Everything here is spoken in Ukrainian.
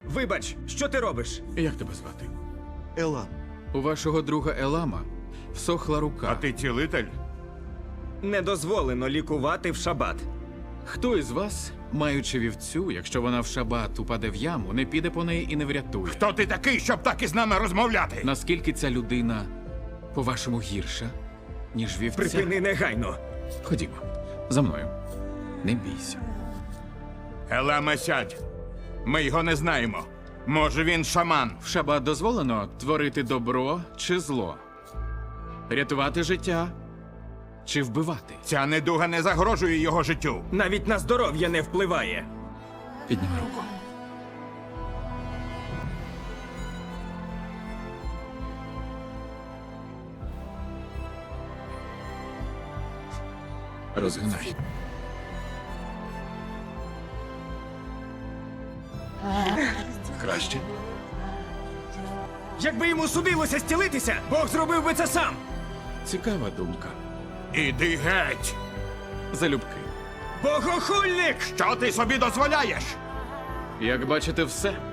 Вибач, що ти робиш? Як тебе звати? Елан. У вашого друга Елама всохла рука. А ти цілитель? Не дозволено лікувати в шабат. Хто із вас, маючи вівцю, якщо вона в шабат упаде в яму, не піде по неї і не врятує? Хто ти такий, щоб так із нами розмовляти? Наскільки ця людина, по-вашому, гірша, ніж вівця? Припини негайно. Ходімо, за мною. Не бійся. Еламе, сядь. Ми його не знаємо. Може, він шаман. В шабат дозволено творити добро чи зло? Рятувати життя чи вбивати? Ця недуга не загрожує його життю. Навіть на здоров'я не впливає. Підніми руку. Розгинай. Краще. Якби йому судилося зцілитися, Бог зробив би це сам. Цікава думка. Іди геть! Богохульник! Що ти собі дозволяєш? Як бачите, все.